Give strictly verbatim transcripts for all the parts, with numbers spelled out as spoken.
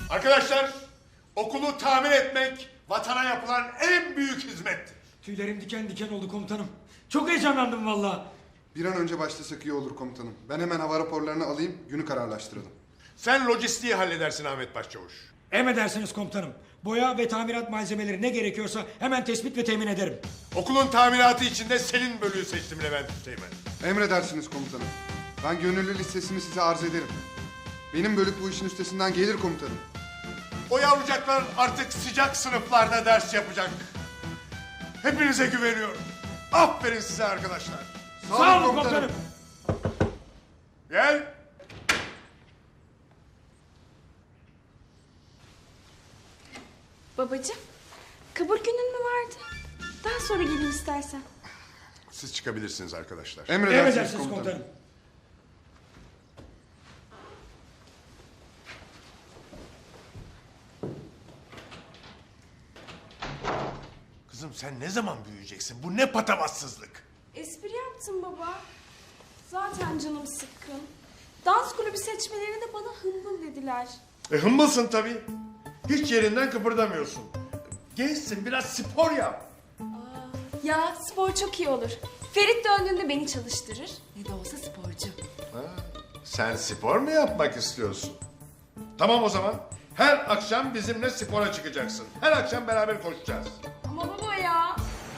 Arkadaşlar, okulu tamir etmek vatana yapılan en büyük hizmettir. Tüylerim diken diken oldu komutanım. Çok heyecanlandım vallahi. Bir an önce başlasak iyi olur komutanım. Ben hemen hava raporlarını alayım, günü kararlaştıralım. Sen lojistiği halledersin Ahmet Başçavuş. Emredersiniz komutanım. Boya ve tamirat malzemeleri ne gerekiyorsa hemen tespit ve temin ederim. Okulun tamiratı için de senin bölüğü seçtim Levent Üsteğmen. Emredersiniz komutanım. Ben gönüllü listesini size arz ederim. Benim bölük bu işin üstesinden gelir komutanım. O yavrucaklar artık sıcak sınıflarda ders yapacak. Hepinize güveniyorum. Aferin size arkadaşlar. Sağ olun komutanım. Gel. Babacığım, kabul günün mü vardı? Daha sonra gelin istersen. Siz çıkabilirsiniz arkadaşlar. Emredersiniz, Emredersiniz komutanım. komutanım. Kızım sen ne zaman büyüyeceksin? Bu ne patavatsızlık? Espri yaptım baba. Zaten canım sıkkın. Dans kulübü seçmelerinde bana hımbıl dediler. E hımbılsın tabii. Hiç yerinden kıpırdamıyorsun. Gençsin, biraz spor yap. Ya spor çok iyi olur. Ferit döndüğünde beni çalıştırır. Ne de olsa sporcu. Ha, sen spor mu yapmak istiyorsun? Tamam o zaman. Her akşam bizimle spora çıkacaksın. Her akşam beraber koşacağız. Ama baba ya.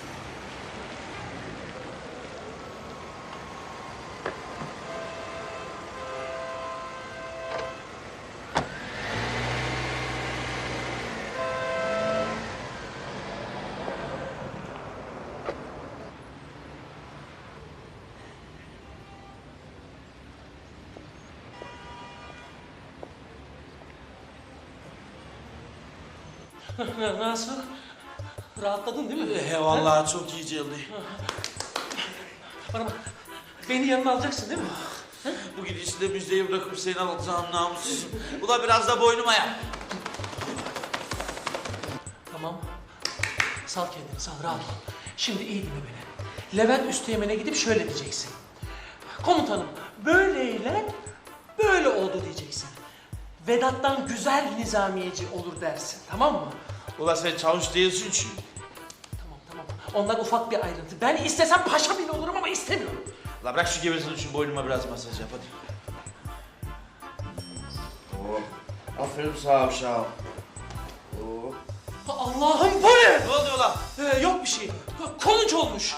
Nasıl? Rahatladın değil mi? He vallahi çok iyi geldi. Bana bak, beni yanına alacaksın değil mi? Bu gidişle müjdeyi bırakıp seni alacağım namussuzum. Ula biraz da boynuma yap. Tamam. Sal kendini, sal, rahat ol. Şimdi iyi dinle beni. Levent Üsteğmen'e gidip şöyle diyeceksin. Komutanım, böyleyle böyle oldu diyeceksin. Vedat'tan güzel nizamiyeci olur dersin, tamam mı? Ula sen çavuş değilsin çünkü. Tamam, tamam. Onlar ufak bir ayrıntı. Ben istesem paşa bile olurum ama istemiyorum. La bırak şu gevezini şu boynuma biraz masaj yap hadi. Oh. Aferin sağ ol sağ ol. Oh. Allah'ım bu ne? Ne oldu ula? Ee, yok bir şey. Kolunç olmuş.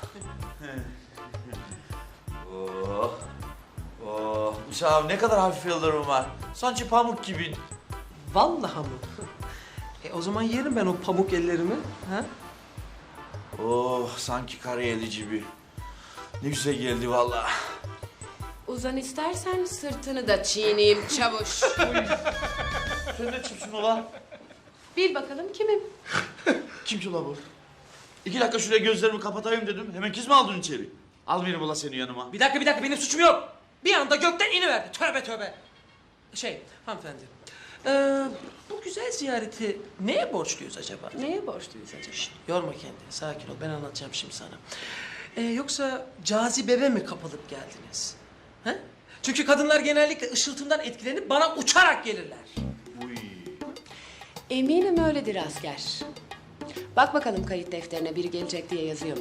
Oh. Oh. Uşağım ne kadar hafif yıldırım var. Sanki pamuk gibi. Vallahi mı? E o zaman yerim ben o pamuk ellerimi. Ha? Oh sanki karayeli gibi. Ne güzel geldi vallahi. Uzan istersen sırtını da çiğneyim çavuş. Sen ne kimsin ula? Bil bakalım kimim? Kim ki ula bu? İki dakika şuraya gözlerimi kapatayım dedim. Hemen kız mı aldın içeri? Almayayım ula seni yanıma. Bir dakika bir dakika benim suçum yok. Bir anda gökten iniverdi. Tövbe tövbe. Şey hanımefendi. Ee, bu güzel ziyareti neye borçluyuz acaba? Neye borçluyuz acaba? Şişt, yorma kendini. Sakin ol. Ben anlatacağım şimdi sana. Ee, yoksa cazibeme mi kapılıp geldiniz? He? Çünkü kadınlar genellikle ışıltımdan etkilenip bana uçarak gelirler. Uy. Eminim öyledir asker. Bak bakalım kayıt defterine biri gelecek diye yazıyor mu?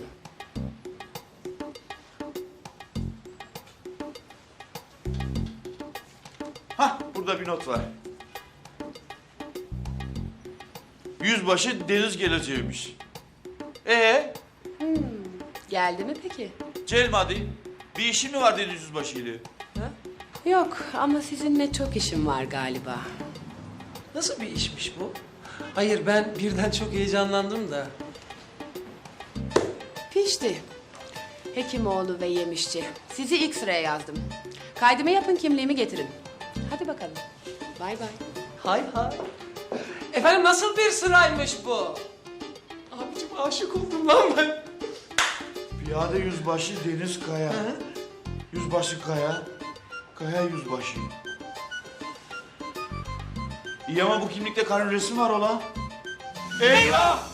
Hah burada bir not var. Yüzbaşı Deniz geleceğiymiş. Ee, Geldi mi peki? Celmadi bir işin mi var Deniz Yüzbaşı ile? Yok ama sizinle çok işim var galiba. Nasıl bir işmiş bu? Hayır ben birden çok heyecanlandım da. Pişti. Hekimoğlu ve Yemişçi. Sizi ilk sıraya yazdım. Kaydımı yapın, kimliğimi getirin. Hadi bakalım. Bay bay. Hay hay. Efendim nasıl bir sıraymış bu? Abicim aşık oldum lan ben. Piyade Yüzbaşı Deniz Kaya. Yüzbaşı Kaya. Kaya Yüzbaşı. İyi ama bu kimlikte karın resmi var ola. Eyvah!